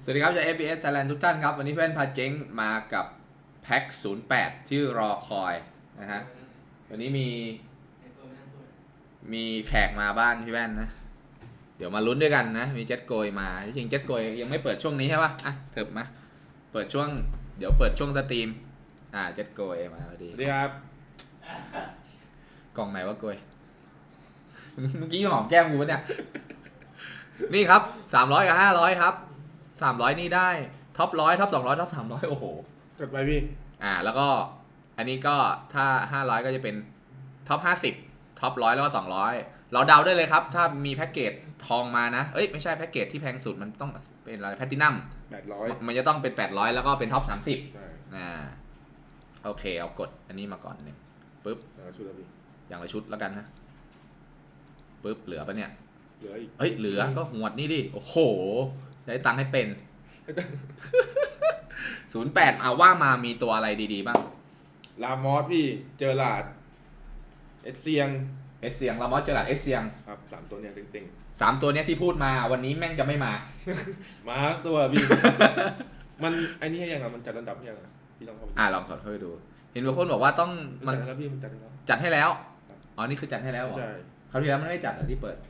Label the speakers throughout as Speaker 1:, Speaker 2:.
Speaker 1: วัสดีครับจาก FPS Thailand ทุกท่านครับวันนี้เพื่อนพาเจ๊งมากับแพ็ค08ที่รอคอยนะฮะวันนี้มีแขกมาบ้านพี่แว่นนะเดี๋ยวมาลุ้นด้วยกันนะมีเจ็ตโกยมาจริงเจ็ตโกยยังไม่เปิดช่วงนี้ใช่ปะอ่ะเถิบมาเปิดช่วงเดี๋ยวเปิดช่วงสตรีมเจ็ตโกยมาพอดี
Speaker 2: สวัสดีครับ
Speaker 1: กล่องไหนวะโกยเมื่อกี้หอมแก้มกูเนี่ยนี่ครับ300กับ500ครับ300นี่ได้ท็อป100ท็อป200ท็อป300โอ้โห
Speaker 2: กดไปพี่
Speaker 1: แล้วก็อันนี้ก็ถ้า500ก็จะเป็นท็อป50ท็อป100แล้วก็200เราเดาได้เลยครับถ้ามีแพ็กเกจทองมานะไม่ใช่แพ็กเกจที่แพงสุดมันต้องเป็นอะไรแพลตินัม
Speaker 2: 800
Speaker 1: มันจะต้องเป็น800แล้วก็เป็นท็อป30โอเคเอากดอันนี้มาก่อนนึงปึ๊บอย่างละชุดแล้วกันนะปึ๊บเหลือปะเนี่ย
Speaker 2: เหลืออีก
Speaker 1: เหลือก็หวดนี่ดิโอ้โหใช้ตังค์ให้เป็น08ว่ามามีตัวอะไรดีๆบ้าง
Speaker 2: ลามอสพี่เจอหลาดเอสเซียง
Speaker 1: ลามอสเจอหลาดเอสเซียง
Speaker 2: ครับ3ตัวเนี้ยเต็ง
Speaker 1: 3ตัวเนี้ยที่พูดมาวันนี้แม่งจะไม่มา
Speaker 2: มาตัวพี่ มันไอ้นี่ยังไงมันจัดระดับยังพี่ลองเข้าไป
Speaker 1: ลองกดเข้าไปดูเห็นบางคนบอกว่าต้อง
Speaker 2: มันจัดแล้วพี่มัน
Speaker 1: จัดให้แล้วนี่คือจัดให้แล้วเหรอ
Speaker 2: ใช่
Speaker 1: คราวที่แล้วมันไม่จัดเหรอที่เปิด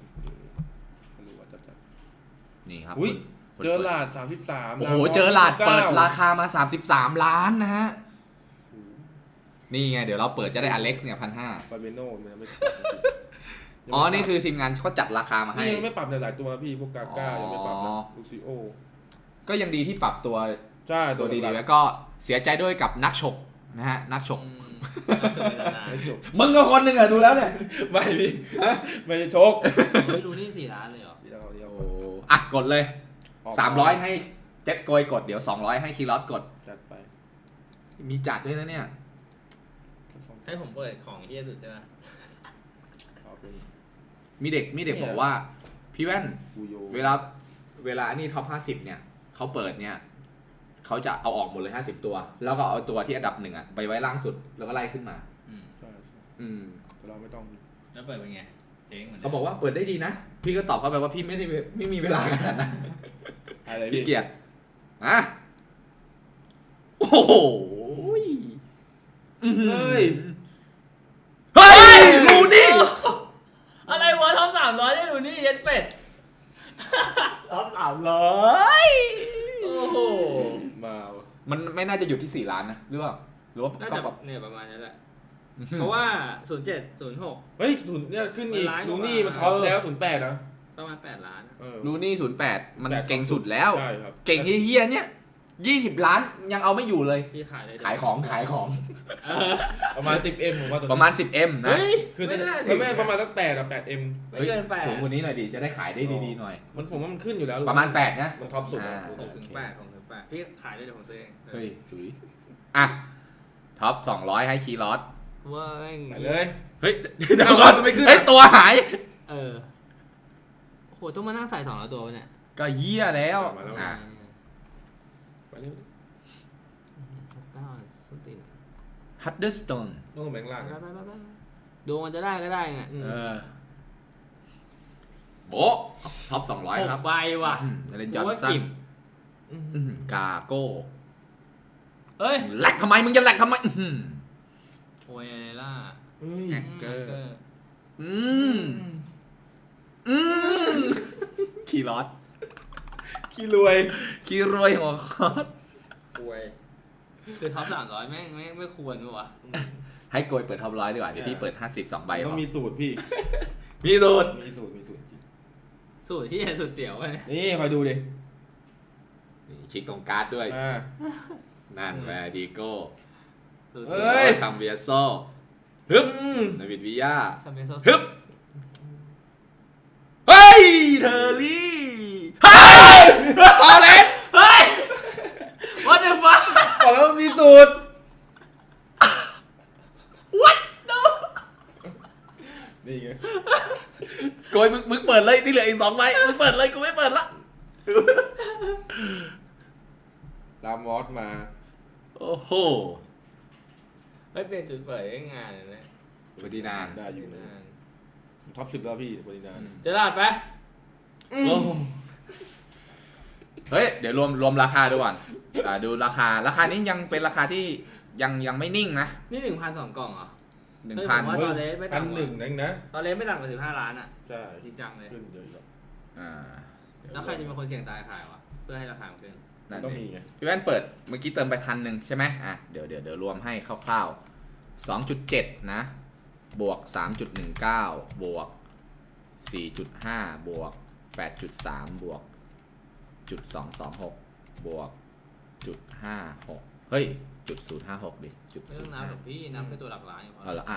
Speaker 1: นี่ครับ
Speaker 2: เจอหลาด33
Speaker 1: โอ้โหเจอหลาดเปิดราคามา33ล้านนะฮะนี่ไงเดี๋ยวเราเปิดจะได้อเล็กซ์เนี่ย1,500
Speaker 2: ฟาเบโน่มันไม่
Speaker 1: นี่คือทีมงานเขาจัดราคามาให้
Speaker 2: นี่ยังไม่ปรับหลายตัวพี่พวกกาก้ายังไม่ปรับนะลูซิโอ
Speaker 1: ก็ยังดีที่ปรับตัว
Speaker 2: ใช่
Speaker 1: ตัวดีๆแล้วก็เสียใจด้วยกับนักฉกนะฮะนักฉกมึงก็คนหนึ่งอะดูแล้วเนี่ย
Speaker 2: ไม่พี่ไม่ได้ชก
Speaker 3: ไม่รู้นี่4 ล้านเลยเหร
Speaker 1: อกดเลย300ให้เจ็ตโกยกดเดี๋ยว200ให้คีรอสกด
Speaker 2: จัดไป
Speaker 1: มีจัดด้วยนะเนี่ย
Speaker 3: ให้ผมเปิดของเฮี้ยสุดใช่ไหม
Speaker 1: มีเด็กบอกว่าพี่แว่นเวลานี่ท็อป50เนี่ยเขาเปิดเนี่ยเขาจะเอาออกหมดเลย50ตัวแล้วก็เอาตัวที่อันดับ1ไปไว้ล่างสุดแล้วก็ไล่ขึ้นมา
Speaker 2: ใช่เราไม่ต้อง
Speaker 3: แล้วเปิดเป็นไงเจ๊งเหมือน
Speaker 1: เขาบอกว่าเปิดได้ดีนะพี่ก็ตอบเขาไปว่าพี่ไม่มีเวลาขนาดนั้นพี่เกียรติโอ้โห
Speaker 2: เฮ้ย
Speaker 1: ลูนี่
Speaker 3: อะไรวะท็อป300ได้ลูนี่เย็ดเป็ด
Speaker 1: ท็อป300
Speaker 3: โอ้โห
Speaker 1: มันไม่น่าจะหยุดที่4ล้านนะหรือว่า
Speaker 3: น่าจะเนี่ยประมาณนั้นแหละเพราะว่า07 06
Speaker 2: เฮ้ยเนี่ยขึ้นอีกลูนี่มันท็อปแล้ว08นะ
Speaker 3: ประมาณ8ล้าน
Speaker 1: ลูนี่08มันเก่งสุดแล้วเก่งเฮี้ยเนี่ย20ล้านยังเอาไม่อยู่เลย
Speaker 3: พี่
Speaker 1: ขายของ
Speaker 2: ประมาณ 10M ผมว่า
Speaker 1: ประมาณ 10M นะ
Speaker 2: คือไม่ประมาณสัก8M
Speaker 3: ไม่เกิน8
Speaker 1: สูงกว่านี้หน่อยดิจะได้ขายได้ดีๆหน่อย
Speaker 2: ผมว่ามันขึ้นอยู่แล้ว
Speaker 1: ประมาณ8นะ
Speaker 2: มันท็อปสุด
Speaker 3: 6-8พี่ขายได้เดี๋ยวผมซื้อเอง
Speaker 1: เฮ้ยสุยท็อป200ให้คีรอส
Speaker 3: ว้า
Speaker 2: ไปเลย
Speaker 1: เฮ้ยเดี๋ยวก่อนไม่ขึ้นตัวหาย
Speaker 3: โหต้องมานั่งใส่200ตัวเนี่ย
Speaker 1: ก็เยี่ยแล้ว
Speaker 2: ไปเร็ว
Speaker 1: ฮัตเดอร์สโตน
Speaker 2: ต้องแบ่งล่าง
Speaker 3: ดูมันจะได้ก็ได้ไง
Speaker 1: โบท็อป200ครับ
Speaker 3: ใบว่ะ
Speaker 1: เลนจอนสันกาโก้
Speaker 3: เฮ้ย
Speaker 1: แหลกทำไมมึงจะแหลกทำไม
Speaker 3: โอ้ยอะไรล่ะ
Speaker 1: แฮกเกอร์คีรอส
Speaker 2: ขี้รวย
Speaker 1: หัวคอส
Speaker 3: คือท็อป300แม่งไม่ควรมั้ยวะ
Speaker 1: ให้โกยเปิดท็อป100ดีกว่าเดี๋ยวพี่เปิด52ใบ
Speaker 2: ต้องมีสูตรพี่
Speaker 1: มีสูตร
Speaker 2: จริง
Speaker 3: สูตรที่สุดเตี๋ยวไง
Speaker 2: นี่คอยดูดิ
Speaker 1: คลิกตรงการ์ดด้วยนั่นแวร์ดีโก้คัมเบียโซฮึบนาวิดวิยาฮึบเฮ้ยเทอร์รี่เฮ้ยออเลน
Speaker 3: เฮ้ยWhat the fuck
Speaker 2: บอกแล้วมีสูตร
Speaker 1: What no
Speaker 2: นี่ไง
Speaker 1: โกยมึงเปิดเลยที่เหลืออีก2ใบมึงเปิดเลยกูไม่เปิดละ
Speaker 2: ลามอสมา
Speaker 1: โอ้โห
Speaker 3: ไม่เป็นจุดเปิดงานเลยนะ
Speaker 1: เฟอร์ดินานด์
Speaker 2: ได้อยู่นะท็อป10แล้วพี่เฟอร์ดินานด์
Speaker 3: จะรอดไหม
Speaker 1: เฮ้ยเดี๋ยวรวมราคาดูก่อนดูราคานี้ยังเป็นราคาที่ยังไม่นิ่งนะ
Speaker 3: นี่ 1,200 กล่องเหรอ
Speaker 1: 1,000
Speaker 3: ว่าตอนเลสไม่
Speaker 2: พัน
Speaker 3: ต่ำก
Speaker 2: หนึ่ง
Speaker 3: ว่า
Speaker 2: นั่นนะ
Speaker 3: ตอนเลสไม่ต่ำกว่า15 ล้านอ่ะ
Speaker 2: ใช่
Speaker 3: จริงจังเลย
Speaker 2: ขึ้นเยอะอยู่
Speaker 1: อ่า
Speaker 3: แล้วใครจะเป็นคนเสี่ยงตายขายวะเพื่อให้ราคามันขึ้น
Speaker 1: นั่น
Speaker 2: ต้อง
Speaker 1: เอ
Speaker 2: มี
Speaker 1: ง
Speaker 2: ไง
Speaker 1: พี่แว่นเปิดเมื่อกี้เติมไป1,000ใช่ไหมอ่ะเดี๋ยวรวมให้คร่าวๆ 2.7 นะ บวก 3.19 บวก 4.5 บวก 8.3 บวก .226 บวก .56 เฮ้ย .056 ดิ
Speaker 3: ไม่ต้องนับหรอกพี่นับแค่ตัวหลักล้านอย่างพอ
Speaker 1: เอาละ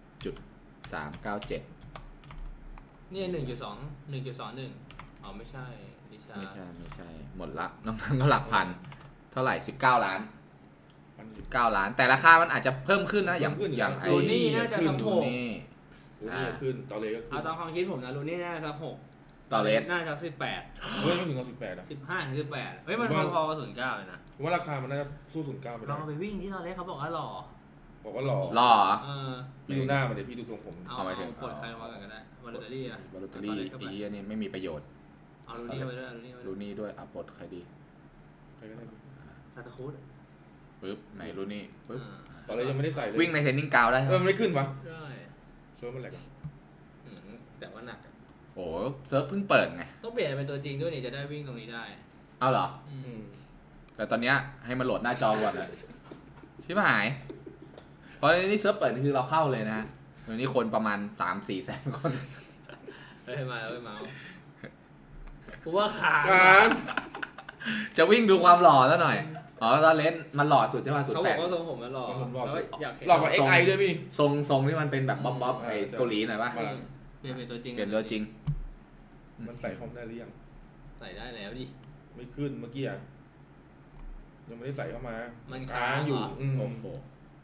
Speaker 1: 397
Speaker 3: นี่ 1.21อ๋อไม่ใช่ดิชา
Speaker 1: ไม่ใช่ หมดละน้องนั้นก็หลักพัน เท่าไหร่ 19 ล้าน 19 ล้าน แต่ราคามันอาจจะเพิ่มขึ้นนะ อย่างไอ้
Speaker 3: ลูนี่น่าจะสัก
Speaker 1: ดู
Speaker 3: 6
Speaker 1: นี่
Speaker 2: ลูนี่ก็ขึ้นตอเลก็ขึ้
Speaker 3: เอา
Speaker 2: น
Speaker 3: ตามความคิดผมนะลูนี่น่าจะสัก6
Speaker 1: ต่อเลส
Speaker 3: น่าจะสัก18
Speaker 2: เฮ้ยไม่ถึง18อ่ะ
Speaker 3: 15ถึง18เฮ้ยมันพอๆกับ09เลยนะ
Speaker 2: ผมว่าราคามันน่าจะสู้09ไม่
Speaker 3: ล
Speaker 2: ได้
Speaker 3: องเอาไปวิ่งที่ตอนแรกเขาบอกว่าหล่อ
Speaker 2: บอกว่าหล่อ
Speaker 1: หล่อ
Speaker 3: เออ
Speaker 2: พี่ดูหน้ามันเดี๋ยวพี่ดูทรงผม
Speaker 1: เอาไปถึง
Speaker 3: กดใครมากันก็ได้วอลเลตเตอรี่อะ
Speaker 1: บาลูตอรี่ไอ้เหี้ยนี่ไม่มีประโยชน์
Speaker 3: เอาลูนี่เข้าไปด้วยเอาลูนี่เข้าไป
Speaker 1: รู
Speaker 3: ด้วย
Speaker 1: นี่ด้วยอ่ะปลดใครดี
Speaker 2: ใครก็ได้
Speaker 3: ซาตาคุส
Speaker 1: ปึ๊บไหนรูนี่ปึ๊บ
Speaker 2: ตอนเลยยังไม่ได้ใส่เลย
Speaker 1: วิ่งในเทรนนิ่งกราวด์ได้ใช่ไหม
Speaker 2: มันไม่ขึ้นวะ
Speaker 3: ได้
Speaker 2: เชิญมันแหลกอะ
Speaker 3: อืมแต่ว่าหนักอะ
Speaker 1: โอ้เซิร์ฟเพิ่งเปิดไง
Speaker 3: ต้องเปลี่ยนเป็นตัวจริงด้วยนี่จะได้วิ่งตรงนี้ได้
Speaker 1: เอาเหรอ
Speaker 3: อืม
Speaker 2: อืม
Speaker 1: แต่ตอนเนี้ยให้มันโหลดหน้าจอก่อนเลยชิบหาย เพราะนี่เซิร์ฟเปิดคือเราเข้าเลยนะวันนี้คนประมาณ 3-4 แสนคน
Speaker 3: เฮ้ยมาแล้วมากูว่าขาด
Speaker 2: การ
Speaker 1: จะวิ่งดูความหล่อซะหน่อย อ๋อตอนเลนมันหล่อสุดใช่ไหมสุด
Speaker 3: เขาบ
Speaker 1: แป
Speaker 3: อก
Speaker 1: ด
Speaker 3: ว่าทรงผมมันหล่อแล้วอยากเห็น
Speaker 2: หลอกกว่า XI ด้วยพี่
Speaker 1: ทรงที่มันเป็นแบบบ๊อบไอ้เกาหลีหน่อยปะ
Speaker 3: เปลี่ยนเป็นตัวจริง
Speaker 1: เปลี่ยนตัวจริง
Speaker 2: มันใส่คอมได้หรือยัง
Speaker 3: ใส่ได้แล้วดิ
Speaker 2: ไม่ขึ้นเมื่อกี้อะยังไม่ได้ใส่เข้ามา
Speaker 3: มั
Speaker 2: มัน
Speaker 3: ค้าง
Speaker 2: อยู่
Speaker 3: เหรอ
Speaker 2: อืม
Speaker 1: โอ้โห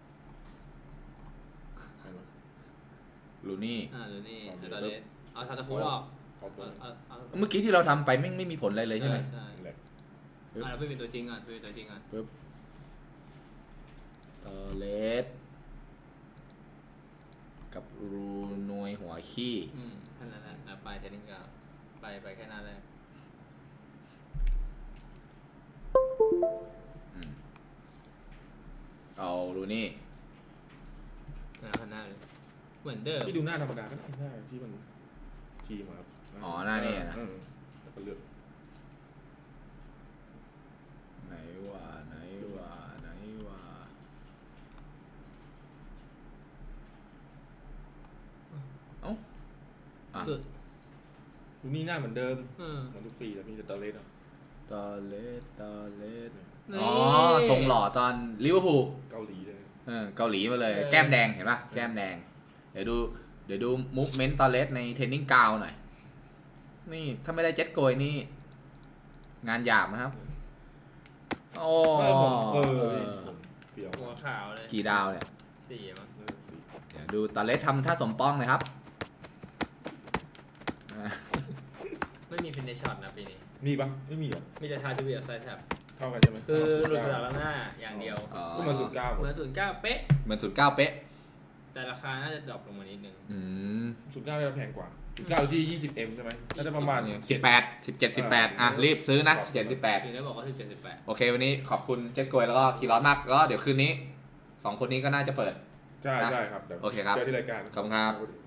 Speaker 1: ลูนี่
Speaker 3: ดูนี่ตอนเลสเอาซาตาคุสออก
Speaker 2: เอาตัว
Speaker 3: เอา
Speaker 1: เมื่อกี้ที่เราทำไปไม่มีผลอะไรเลยใช่ไหม
Speaker 3: ใช่
Speaker 2: แหลก
Speaker 3: เราไปเป็นตัวจริงก่อนไปเป็นตัวจริงก่อน
Speaker 1: ตอเลสกับรูนวยหัวขี้
Speaker 3: แค่นั้นแหละแล้วไปเทนนิสกับไปแค่นั้นแหละ
Speaker 1: เอารูนี่
Speaker 3: ข้างหน้าเลยเหมือนเดิม
Speaker 2: พี่ดูหน้าธรรมดาก็ได้หน้าที่มันทีมาครับ
Speaker 1: อ๋อหน้านี่นะ
Speaker 2: แล้วก็เลือก
Speaker 1: ไหนว่าไหนว่าไหนว่าเอ้าอ่ะ
Speaker 3: สุด
Speaker 2: ดูนี่หน้าเหมือนเดิม
Speaker 3: เออ
Speaker 2: เหมือนทุกปีแล้วพี่แต่ตอนเลสอ่ะ
Speaker 1: ตอเลสตอเลส
Speaker 3: นี่
Speaker 1: อ๋อทรงหล่อตอนลิเวอร์พูล
Speaker 2: เกาหลีเลย
Speaker 1: เกาหลีมาเลย แก้มแดงเห็นป่ะแก้มแดง เดี๋ยวดูมูฟเมนต์ตอเลสในเทรนนิ่งกราวด์หน่อย นี่ถ้าไม่ได้เจ็ตโกยนี่ งานหยาบนะครับ โอ้
Speaker 2: พี่ผมเฟี้ยว
Speaker 3: หัวขาวเลย
Speaker 1: กี่ดาวเนี่ย
Speaker 3: 4มั้ง
Speaker 1: เดี๋ยวดูตอเลสทำท่าสมปองเลยครับ
Speaker 3: ไม่มีฟินเนชช็อตนะปีนี้
Speaker 2: มีปะไม่มีเหรอ
Speaker 3: มีแต่ทาจูเบียไซด์แท็บ
Speaker 2: เท่ากันใช่ไหม
Speaker 3: คือหลุดจากหน้าอย่างเดียว
Speaker 1: อ๋อ
Speaker 2: ก็มาสุดเก้า
Speaker 3: เหมือน09เป๊ะ
Speaker 1: เหมือน09เป๊ะ
Speaker 3: แต่ราคาน่าจะดรอปลงมานิดนึง
Speaker 1: อืม
Speaker 2: สุดเก้าจะแพงกว่าสุดเก้าอยู่ที่ 20M ใช่ไหมน่าจะประมาณ
Speaker 1: 18 17 18อ่ะรีบซื้อนะ17 18
Speaker 3: ถึงได้บอกว่า17 18
Speaker 1: โอเควันนี้ขอบคุณเจ็ตโกยแล้วก็คีรอสมากแล้วก็เดี๋ยวคืนนี้ 2 คนนี้ก็น่าจะเปิด
Speaker 2: ใช่ครับเดี๋ยว
Speaker 1: โอเคครับ
Speaker 2: เจอที่รายการ
Speaker 1: ขอบคุณครับ